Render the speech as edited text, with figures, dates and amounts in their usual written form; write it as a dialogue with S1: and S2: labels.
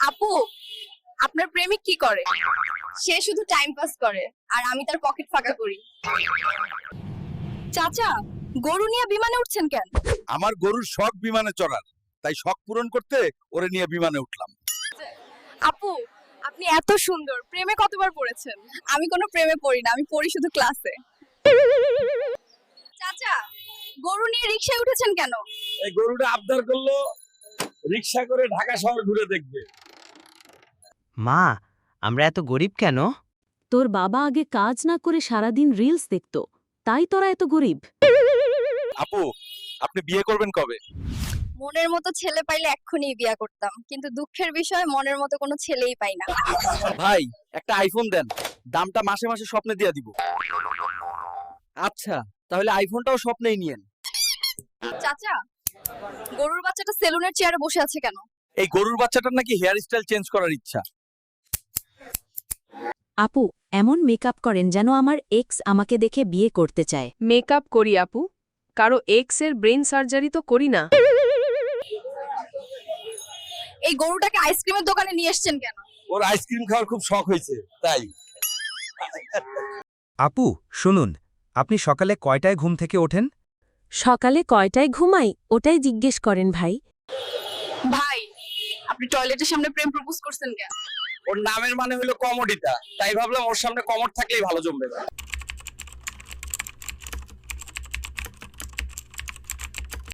S1: আপু, আপনার প্রেমিক কি করে? সে শুধু টাইম পাস করে আর আমি তার পকেট ফাঁকা করি। চাচা, গরু নিয়ে বিমানে উঠছেন কেন?
S2: আমার গরুর শখ বিমানে চড়ার, তাই শখ পূরণ করতে ওরে নিয়ে বিমানে উঠলাম।
S1: আপু, আপনি এত সুন্দর, প্রেমে কতবার পড়েছেন? আমি কোনো প্রেমে পড়ি না, আমি পড়ি শুধু ক্লাসে। চাচা, গরু নিয়ে রিকশায় উঠেছেন কেন?
S2: এই গরুটা আবদার করলো রিকশা করে ঢাকা শহর ঘুরে দেখবে।
S3: মা, আমরা এত গরিব কেন?
S4: তোর বাবা আগে কাজ না করে সারাদিন রিলস দেখতো, তাই তোরা এত গরিব।
S2: আপু, আপনি বিয়ে করবেন কবে?
S1: মনের মতো ছেলে পাইলে এক্ষুনি বিয়ে করতাম, কিন্তু দুঃখের বিষয় মনের মতো কোনো ছেলেই পাই না।
S5: ভাই একটা আইফোন দেন, দামটা মাসে মাসে স্বপ্নে দিয়ে দিব। আচ্ছা তাহলে আইফোনটাও স্বপ্নেই নিয়েন।
S1: চাচা, গরুর বাচ্চাটা সেলুনের চেয়ারে বসে আছে কেন?
S2: এই গরুর বাচ্চাটার নাকি হেয়ার স্টাইল চেঞ্জ করার ইচ্ছা।
S4: আপু, এমন মেকআপ করেন যেন আমার এক্স আমাকে দেখে বিয়ে করতে চায়।
S6: মেকআপ করি আপু, কারো এক্স এর ব্রেন সার্জারি তো করি না।
S1: এই গরুটাকে আইসক্রিমের দোকানে নিয়ে এসেছেন কেন?
S2: ওর আইসক্রিম খাওয়ার খুব শখ হয়েছে তাই।
S7: আপু শুনুন, আপনি সকালে কয়টায় ঘুম থেকে ওঠেন?
S4: সকালে কয়টায় ঘুমাই ওটাই জিজ্ঞেস করেন ভাই।
S1: ভাই, আপনি টয়লেটের সামনে প্রেম প্রপোজ করছেন কেন?
S5: ওর নামের মানে হলো কমোডিটা, তাই ভাবলাম ওর সামনে কমোড থাকলেই ভালো জমবে।